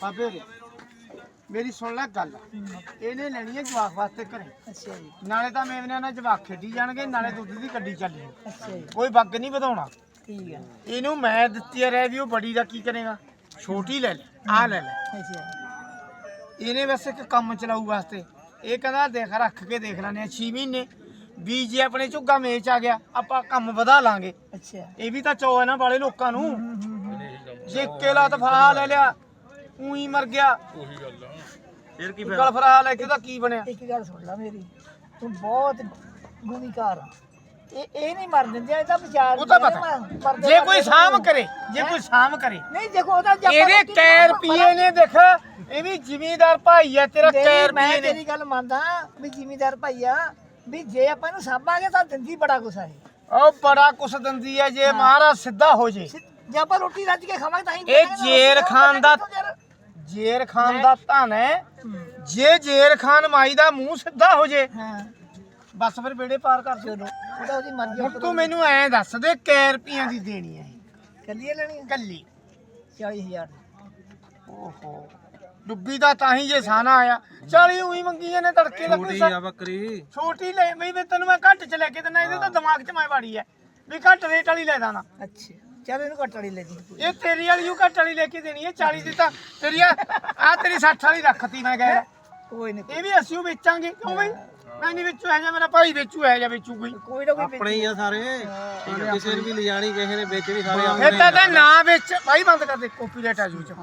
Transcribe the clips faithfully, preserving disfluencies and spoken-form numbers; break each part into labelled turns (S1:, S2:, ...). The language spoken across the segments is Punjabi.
S1: ਬਾਬੇ ਰੇ ਮੇਰੀ ਸੁਣ ਲੈ ਗੱਲ ਇਹਨੇ ਲੈਣੀ ਹੈ ਜਵਾਕ ਵਾਸਤੇ ਘਰੇ।
S2: ਅੱਛਾ ਜੀ
S1: ਨਾਲੇ ਤਾਂ ਮੇਵਨਿਆਂ ਨਾਲ ਜਵਾਕ ਖੇਡੀ ਜਾਣਗੇ ਨਾਲੇ ਦੁੱਧ ਦੀ ਗੱਡੀ ਚੱਲੀ
S2: ਅੱਛਾ ਜੀ
S1: ਕੋਈ ਬੱਗ ਨਹੀਂ ਵਧਾਉਣਾ।
S2: ਠੀਕ ਹੈ
S1: ਇਹਨੂੰ ਮੈਂ ਦਿੱਤੀ ਰਹਿ ਵੀ ਉਹ ਬੜੀ ਦਾ ਕੀ ਕਰੇਗਾ ਛੋਟੀ ਲੈ ਲੈ ਆ ਲੈ ਲੈ
S2: ਅੱਛਾ
S1: ਇਹਨੇ ਬਸ ਇੱਕ ਕੰਮ ਚਲਾਊ ਵਾਸਤੇ ਇਹ ਕਹਿੰਦਾ ਦੇਖ ਰੱਖ ਕੇ ਦੇਖ ਲੈਣੇ ਛੇ ਮਹੀਨੇ ਵੀ ਜੇ ਆਪਣੇ ਝੁੱਗਾ ਮੇਚ ਆ ਗਿਆ ਆਪਾਂ ਕੰਮ ਵਧਾ ਲਾਂਗੇ।
S2: ਅੱਛਾ
S1: ਇਹ ਵੀ ਤਾਂ ਚੋ ਹੈ ਨਾ ਵਾਲੇ ਲੋਕਾਂ ਨੂੰ ਜੇ ਕੇਲਾ ਤਫਾ ਲੈ ਲਿਆ ਉਹੀ ਮਰ ਗਿਆ ਉਹੀ ਗੱਲ ਆ ਫਿਰ ਕੀ ਗੱਲ ਫਰਾ ਲੈ ਕੇ ਉਹਦਾ ਕੀ ਬਣਿਆ।
S2: ਇੱਕ ਗੱਲ ਸੁਣ ਲੈ ਮੇਰੀ ਤੂੰ ਬਹੁਤ ਗੁਨੀਕਾਰ ਆ ਇਹ ਇਹ ਨਹੀਂ ਮਰ ਦਿੰਦੇ ਇਹ ਤਾਂ ਵਿਚਾਰ
S1: ਉਹ ਤਾਂ ਪਤਾ ਜੇ ਕੋਈ ਸਾਮ ਕਰੇ ਜੇ ਕੋਈ ਸਾਮ ਕਰੇ
S2: ਨਹੀਂ ਦੇਖੋ ਉਹਦਾ ਜੱਪਾ
S1: ਇਹਦੇ ਕੈ ਰੁਪਏ ਨੇ ਦੇਖ ਇਹ ਵੀ ਜ਼ਿਮੀਂਦਾਰ ਭਾਈ ਆ ਤੇਰਾ ਕੈ
S2: ਮੈਂ
S1: ਰੁਪਏ ਨੇ।
S2: ਤੇਰੀ ਗੱਲ ਮੰਨਦਾ ਵੀ ਜ਼ਿਮੀਂਦਾਰ ਭਾਈ ਆ ਵੀ ਜੇ ਆਪਾਂ ਇਹਨੂੰ ਸਾਂਭਾਂਗੇ ਤਾਂ ਦਿੰਦੀ ਬੜਾ ਕੁਛ ਆ ਇਹ
S1: ਉਹ ਬੜਾ ਕੁਛ ਦਿੰਦੀ ਹੈ ਜੇ ਮਹਾਰਾਜ ਸਿੱਧਾ ਹੋ ਜੇ।
S2: ਜੇ ਆਪਾਂ ਰੋਟੀ ਰੱਜ ਕੇ ਖਾਵਾਂਗੇ ਤਾਂ ਹੀ
S1: ਇਹ ਜੇਰ ਖਾਨ ਦਾ ਜੇਰ ਖਾਨ ਦਾ ਧਨ ਹੈ ਜੇ ਜੇਰ ਖਾਨ ਮਾਈ ਦਾ ਮੂੰਹ ਸਿੱਧਾ ਹੋ ਜੇ
S2: ਹਾਂ
S1: ਬਸ ਫਿਰ ਬੇੜੇ ਪਾਰ ਕਰ
S2: ਚਲੋ ਉਹਦਾ ਉਹਦੀ ਮਰਜ਼ੀ
S1: ਹੁਣ ਤੂੰ ਮੈਨੂੰ ਐਂ ਦੱਸ ਦੇ ਕੈ ਰੁਪਈਆਂ ਦੀ ਦੇਣੀ ਹੈ
S2: ਕੱਲੀਏ ਲੈਣੀ ਆ?
S1: ਕੱਲੀ
S2: ਚਾਲੀ ਹਜ਼ਾਰ
S1: ਓਹੋ ਡੁੱਬੀ ਦਾ ਤਾਂ ਹੀ ਜੇ ਸਾਨਾ ਆਇਆ ਚਾਲੀ ਉਹੀ ਮੰਗੀ ਇਹਨੇ ਤੜਕੇ ਦਾ ਕੋਈ
S3: ਆ ਬੱਕਰੀ
S1: ਛੋਟੀ ਲੈ ਬਈ ਮੈਂ ਤੈਨੂੰ ਮੈਂ ਘੱਟ ਚ ਲੈ ਕੇ ਦਿੰਦਾ ਇਹਦੇ ਤਾਂ ਦਿਮਾਗ ਚ ਮੈਂ ਵਾੜੀ ਐ ਵੀ ਘੱਟ ਰੇਟ ਵਾਲੀ ਲੈ ਦਾਣਾ।
S2: ਅੱਛਾ ਚੱਲ ਇਹਨੂੰ ਘੱਟ ਵਾਲੀ ਲੈ ਜੀ
S1: ਇਹ ਤੇਰੀ ਵਾਲੀ ਉਹ ਘੱਟ ਵਾਲੀ ਲੈ ਕੇ ਦੇਣੀ ਹੈ ਚਾਲੀ ਦੀ ਤਾਂ ਤੇਰੀ ਆ ਆਹ ਤੇਰੀ ਸੱਠ ਵਾਲੀ ਰੱਖਤੀ ਮੈਂ ਕਹਿ
S2: ਕੋਈ ਨਹੀਂ
S1: ਇਹ ਵੀ ਅਸੀਂ ਓ ਵੇਚਾਂਗੇ ਕਿਉਂ ਬਈ ਮੈਂ ਨਹੀਂ ਵੇਚੂ ਹੈ ਜਾਂ ਮੇਰਾ ਭਾਈ ਵੇਚੂ ਹੈ ਜਾਂ ਵੇਚੂ ਕੋਈ
S2: ਕੋਈ ਨਾ ਕੋਈ
S3: ਆਪਣੇ ਹੀ ਆ ਸਾਰੇ ਕਿਸੇ ਨੂੰ ਵੀ ਲਿਜਾਣੀ ਕਿਸੇ ਨੇ ਵੇਚਣੀ ਸਾਰੇ
S1: ਇਹ
S3: ਆਪਣੇ
S1: ਤਾਂ ਤਾਂ ਨਾ ਵੇਚ ਭਾਈ ਬੰਦ ਕਰ ਦੇ ਕਾਪੀਰਾਈਟ ਆ ਜੂ ਚ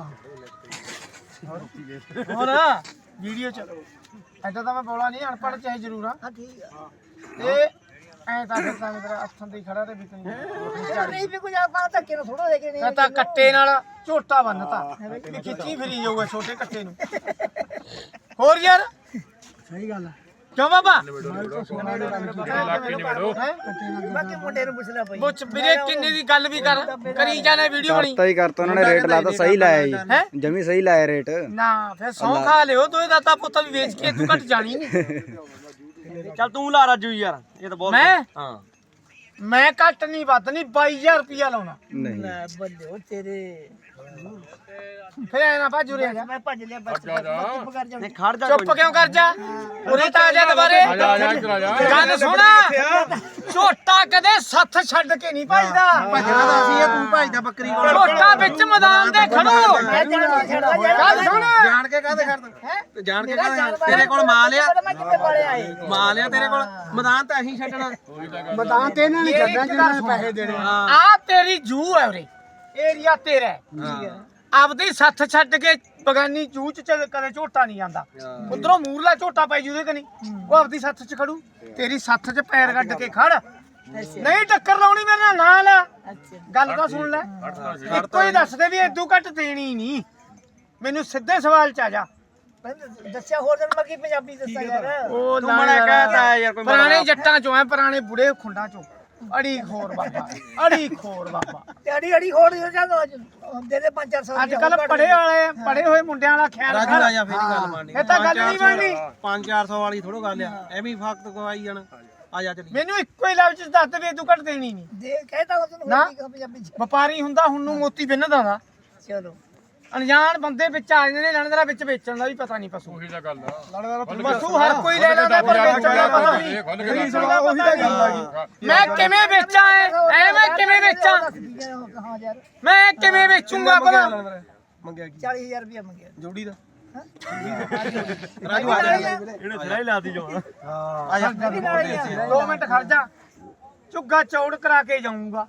S1: ਹੋਰ ਵੀਡੀਓ ਚ ਐਦਾਂ ਤਾਂ ਮੈਂ ਬੋਲਾ ਨਹੀਂ ਅਨਪੜ੍ਹ ਚਾਹੇ ਜ਼ਰੂਰ ਆ
S2: ਹਾਂ ਠੀਕ ਆ
S1: ਤੇ ਐ ਤਾਂ ਫਿਰ ਤਾਂ ਮੇਰਾ ਹੱਥਾਂ ਤੇ ਖੜਾ ਤੇ ਵਿਕਣੀ
S2: ਨਹੀਂ ਵੀ ਕੋਈ ਆਪਾਂ ਧੱਕੇ ਨਾਲ ਥੋੜਾ ਦੇ ਕੇ
S1: ਮੈਂ
S2: ਨਹੀਂ
S1: ਤਾਂ ਕੱਟੇ ਨਾਲ ਝੋਟਾ ਬੰਨਤਾ ਵੀ ਖਿੱਚੀ ਫਿਰੀ ਜਾਊਗਾ ਛੋਟੇ ਕੱਟੇ ਨੂੰ ਹੋਰ ਯਾਰ
S2: ਸਹੀ ਗੱਲ ਆ
S1: ਕਿਉਂ ਬਾਬਾ
S2: ਬਾਕੀ ਮੁੰਡੇ ਨੂੰ ਪੁੱਛ ਲੈ ਭਾਈ
S1: ਮੁੱਛ ਵੀਰੇ ਕਿੰਨੇ ਦੀ ਗੱਲ ਵੀ ਕਰ ਕਰੀ ਜਾਣਾ ਵੀਡੀਓ ਬਣੀ
S4: ਕਰਤਾ ਹੀ ਕਰਤਾ ਉਹਨਾਂ ਨੇ ਰੇਟ ਲਾਤਾ ਸਹੀ ਲਾਇਆ
S1: ਹੈਂ?
S4: ਜੀ ਜਮੀ ਸਹੀ ਲਾਇਆ ਰੇਟ
S1: ਨਾ ਫਿਰ ਸੌ ਖਾ ਲਿਓ ਦੋਏ ਦਾਤਾ ਪੁੱਤ ਵੀ ਵੇਚ ਕੇ ਤੂੰ ਘਟ ਜਾਣੀ ਨਹੀਂ
S3: ਚੱਲ ਤੂੰ ਲਾ ਰਾਜੂ ਯਾਰ ਇਹ ਤਾਂ ਬਹੁਤ
S1: ਮੈਂ
S3: ਹਾਂ
S1: ਮੈਂ ਘੱਟ ਨਹੀਂ ਵੱਧ ਨਹੀਂ ਬਾਈ ਹਜ਼ਾਰ ਰੁਪਿਆ ਲਾਉਣਾ
S4: ਨਹੀਂ
S2: ਲੈ ਬੱਲੇ ਉਹ ਤੇਰੇ
S1: ਫਿਰ ਐ ਨਾ ਭਾਜੂ ਰੇ ਜਾ
S2: ਮੈਂ ਭੱਜ ਲਿਆ ਬਸ ਚੁੱਪ ਕਰ ਜਾ
S3: ਨਹੀਂ ਖੜ ਜਾ
S1: ਚੁੱਪ ਕਿਉਂ ਕਰ ਜਾ ਉਰੇ ਤਾਂ ਆ ਜਾ ਦੁਬਾਰੇ ਗੱਲ ਸੁਣ ਝੋਟਾ ਕਦੇ ਸੱਥ ਛੱਡ ਕੇ ਨਹੀਂ ਭਜਦਾ
S3: ਭੱਜਣਾ ਤਾਂ ਅਸੀਂ ਆ ਤੂੰ ਭੱਜਦਾ ਬੱਕਰੀ ਕੋਲ
S1: ਝੋਟਾ ਵਿੱਚ ਮੈਦਾਨ ਦੇ ਖੜੋ
S2: ਮੈਂ ਜਾਣ ਕੇ ਛੱਡਦਾ
S1: ਗੱਲ ਸੁਣ
S3: ਜਾਣ ਕੇ ਕਾਹਦੇ ਖੜਦਾ
S2: ਹੈ
S3: ਜਾਣ ਕੇ ਕਾਹਦੇ ਤੇਰੇ ਕੋਲ ਮਾਲ ਆ
S2: ਮੈਂ ਕਿੱਥੇ ਪਾਲੇ ਆਏ
S3: ਮਾਲ ਆ ਤੇਰੇ ਕੋਲ ਮੈਦਾਨ ਤਾਂ ਅਸੀਂ ਛੱਡਣਾ
S1: ਮੈਦਾਨ ਤੇ ਇਹਨਾਂ ਨੇ ਛੱਡਣਾ ਜਿਹਨਾਂ ਪੈਸੇ ਦੇਣੇ ਆ ਤੇਰੀ ਜੂ ਹੈ ਉਰੇ ਏਰੀਆ ਤੇਰਾ ਹੈ ਆਪਦੀ ਸੱਥ ਛੱਡ ਕੇ ਬਗਾਨੀ ਜੂ ਚ ਚੱਲ ਕਦੇ ਝੋਟਾ ਨਹੀਂ ਆਂਦਾ ਉਧਰੋਂ ਮੂਰਲਾ ਝੋਟਾ ਪੈ ਜੂਦੇ ਕਨੀ ਉਹ ਆਪਦੀ ਸੱਥ ਚ ਖੜੂ ਤੇਰੀ ਸੱਥ ਚ ਪੈਰ ਕੱਢ ਕੇ ਖੜ ਨਹੀਂ ਟੱਕਰ ਲਾਉਣੀ ਮੇਰੇ ਨਾਲ ਨਾ ਲਾ
S2: ਅੱਛਾ
S1: ਗੱਲ ਤਾਂ ਸੁਣ ਲੈ ਇੱਕੋ ਹੀ ਦੱਸ ਦੇ ਵੀ ਏਦੂ ਘੱਟ ਦੇਣੀ ਨਹੀਂ ਮੈਨੂੰ ਸਿੱਧੇ ਸਵਾਲ ਚ ਆ ਜਾ
S2: ਮੈਂ ਦੱਸਿਆ ਹੋਰ ਦਿਨ ਮੈਂ ਕੀ ਪੰਜਾਬੀ ਦੱਸਾਂ ਯਾਰ
S1: ਉਹ
S3: ਤੂੰ ਬੜਾ ਕਹਿਤਾ ਯਾਰ ਕੋਈ
S1: ਪੁਰਾਣੇ ਜੱਟਾਂ ਚੋਂ ਐ ਪੁਰਾਣੇ ਬੁੜੇ ਖੁੰਡਾਂ ਚੋਂ ਅੜੀ ਖੋਰ ਬਾਬਾ ਅੜੀ ਖੋਰ ਬਾਬਾ
S2: ਤੇ ਅੜੀ ਅੜੀ ਹੋਰ ਜਦੋਂ ਦੇ ਦੇ ਪੰਜ ਚਾਰ ਸੌ
S1: ਅੱਜ ਕੱਲ ਪੜੇ ਵਾਲੇ ਪੜੇ ਹੋਏ ਮੁੰਡਿਆਂ ਵਾਲਾ ਖਿਆਲ
S3: ਰਾਜੂ
S1: ਕਰ
S3: ਆ ਜਾ ਫੇਰ ਨੀ ਗੱਲ ਬਣਨੀ
S1: ਇਹ ਤਾਂ ਗੱਲ ਨਹੀਂ ਬਣਨੀ
S3: ਪੰਜ ਚਾਰ ਸੌ ਵਾਲੀ ਥੋੜੋ ਗੱਲ ਆ ਐਵੇਂ ਫਕਤ ਕਵਾਈ ਜਾਣਾ ਆ ਜਾ ਚੱਲੀ
S1: ਮੈਨੂੰ ਇੱਕੋ ਹੀ ਲਫ਼ਜ਼ ਚ ਦੱਸ ਦੇ ਤੂੰ ਘੱਟ ਦੇਣੀ ਨਹੀਂ
S2: ਦੇ ਕਹਿਤਾ ਉਸ ਨੂੰ
S1: ਨਾ।
S2: ਹੋਰ ਕੀ ਕਹਾਂ ਪੰਜਾਬੀ ਚ
S1: ਵਪਾਰੀ ਹੁੰਦਾ ਹੁਣ ਨੂੰ ਮੋਤੀ ਬਿੰਨਦਾ ਦਾ
S2: ਚਲੋ
S1: ਅਣਜਾਣ ਬੰਦੇ ਵਿੱਚ ਆ ਜਾਂਦੇ ਨੇ ਲੈਣਦਾਰਾ ਵਿੱਚ ਵੇਚਣ ਦਾ ਵੀ ਪਤਾ ਨਹੀਂ ਪਸ਼ੂ
S5: ਉਹੀ ਤਾਂ ਗੱਲ ਆ
S1: ਪਸ਼ੂ ਹਰ ਕੋਈ ਲੈ ਲੈਂਦਾ ਪਰ ਵੇਚਣ ਦਾ ਪਤਾ ਨਹੀਂ
S5: ਉਹੀ ਤਾਂ ਗੱਲ ਆ
S1: ਮੈਂ ਕਿਵੇਂ ਵੇਚਾਂ ਐ ਐ ਮੈਂ ਕਿਵੇਂ ਵੇਚਾਂ
S2: ਹਾਂ ਯਾਰ
S1: ਮੈਂ ਕਿਵੇਂ ਵੇਚੂੰਗਾ ਭਲਾ
S3: ਮੰਗਿਆ ਕੀ
S2: ਚਾਲੀ ਹਜ਼ਾਰ ਰੁਪਇਆ ਮੰਗਿਆ
S3: ਜੋੜੀ ਦਾ
S2: ਹਾਂ
S3: ਰਾਜੂ ਆ ਜਾ
S5: ਇਹਨੇ ਸਿਰਾ ਹੀ ਲਾਤੀ ਜੋ
S3: ਆ ਜਾ
S1: ਦੋ ਮਿੰਟ ਖੜ ਜਾ ਝੁੱਗਾ ਚੌੜ ਕਰਾ ਕੇ ਜਾਊਂਗਾ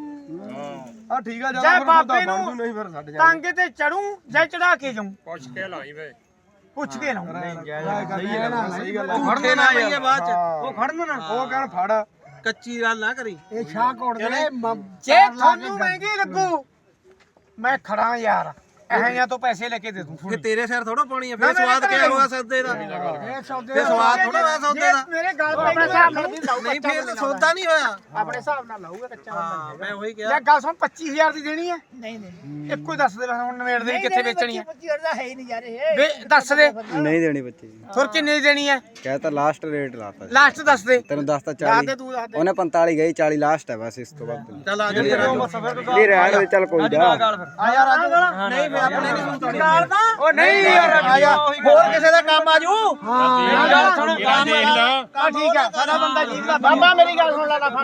S3: ਆ ਠੀਕ ਆ
S1: ਜੈ ਬਾਬੇ ਨੂੰ
S3: ਨਹੀਂ ਫਿਰ ਛੱਡ
S1: ਟਾਂਗੇ ਤੇ ਚੜੂ ਜਾਂ ਚੜਾ ਕੇ ਜਾਊਂ
S5: ਪੁੱਛ ਕੇ ਲਾਈ ਵੇ
S1: ਪੁੱਛ ਕੇ ਲਾਊਂ
S3: ਸਹੀ ਗੱਲ ਸਹੀ ਗੱਲ ਖੜਨੇ ਨਾ ਪਈਏ ਬਾਅਦ ਚ ਉਹ ਖੜਨ ਨਾ ਉਹ ਕਹਿਣ ਫੜ ਕੱਚੀ ਗੱਲ ਨਾ ਕਰੀ
S2: ਇਹ ਸ਼ਾਹ ਕੋਟ ਦੇ
S1: ਜੇ ਤੁਹਾਨੂੰ ਮਹਿੰਗੀ ਲੱਗੂ ਮੈਂ ਖੜਾ ਯਾਰ ਐਹਾਂ ਤੋਂ ਪੈਸੇ ਲੈ ਕੇ ਦੇ ਦੂੰ
S3: ਕਿ ਤੇਰੇ ਸਿਰ ਥੋੜਾ ਪਾਣੀ ਆ ਫਿਰ ਸਵਾਦ ਕਿਆ ਹੋਗਾ ਸੌਦੇ ਦਾ
S1: ਇਹ ਸੌਦੇ
S3: ਫਿਰ ਸਵਾਦ ਥੋੜਾ ਹੋਇਆ ਸੌਦੇ ਦਾ
S1: ਮੇਰੇ ਗੱਲ ਆਪਣੇ ਹਿਸਾਬ ਨਾਲ ਵੀ ਲਾਊ
S3: ਨਹੀਂ ਫਿਰ ਤਾਂ ਸੌਦਾ ਨਹੀਂ ਹੋਇਆ
S1: ਆਪਣੇ ਹਿਸਾਬ ਨਾਲ ਲਾਊਗਾ ਕੱਚਾ
S3: ਹਾਂ ਮੈਂ ਉਹੀ ਕਿਹਾ
S1: ਲੈ ਗੱਲ ਸੁਣ ਪੱਚੀ ਹਜ਼ਾਰ ਦੀ ਦੇਣੀ ਹੈ
S2: ਨਹੀਂ ਨਹੀਂ
S1: ਇੱਕੋ ਹੀ ਦੱਸ ਦੇ ਹੁਣ ਨਵੇੜ ਦੇ ਕਿੱਥੇ ਵੇਚਣੀ ਹੈ
S2: ਪੱਚੀ ਹਜ਼ਾਰ ਦਾ ਹੈ ਹੀ ਨਹੀਂ ਯਾਰ ਇਹ
S1: ਵੇ ਦੱਸ ਦੇ
S4: ਨਹੀਂ ਦੇਣੀ ਬੱਚੀ
S1: ਹੋਰ ਕਿੰਨੇ ਦੀ ਦੇਣੀ ਹੈ
S4: ਕਹਤਾ ਲਾਸਟ ਰੇਟ ਲਾਤਾ ਜੀ
S1: ਲਾਸਟ ਦੱਸ ਦੇ
S4: ਤੈਨੂੰ ਦੱਸਤਾ
S1: ਦੱਸ
S4: ਚਾਲੀ
S1: ਦੇ ਤੂੰ ਦੱਸ ਦੇ
S4: ਉਹਨੇ ਪੰਤਾਲੀ ਗਈ ਚਾਲੀ ਲਾਸਟ ਹੈ ਬਸ ਇਸ ਤੋਂ ਬਾਅਦ ਨਹੀਂ।
S3: ਚੱਲ ਆ ਜਾ ਫਿਰ
S4: ਇਹ ਰਹਿਣ ਦੇ ਚੱਲ ਕੋਈ ਜਾ
S3: ਆ ਜਾ ਰਾਜੂ ਨਹੀਂ ਮੈਂ ਆਪਣੇ ਨਹੀਂ ਸੁਣਦਾ
S1: ਨਾਲ ਨਾ
S3: ਉਹ ਨਹੀਂ ਯਾਰ ਆ ਜਾ ਹੋਰ ਕਿਸੇ ਦਾ ਕੰਮ ਆਜੂ
S1: ਹਾਂ
S5: ਦੇਖ ਲਾ
S1: ਠੀਕ ਆ ਸਾਡਾ ਬੰਦਾ ਜੀਤ ਦਾ ਬਾਬਾ ਮੇਰੀ ਗੱਲ ਸੁਣ ਲੈ ਨਾ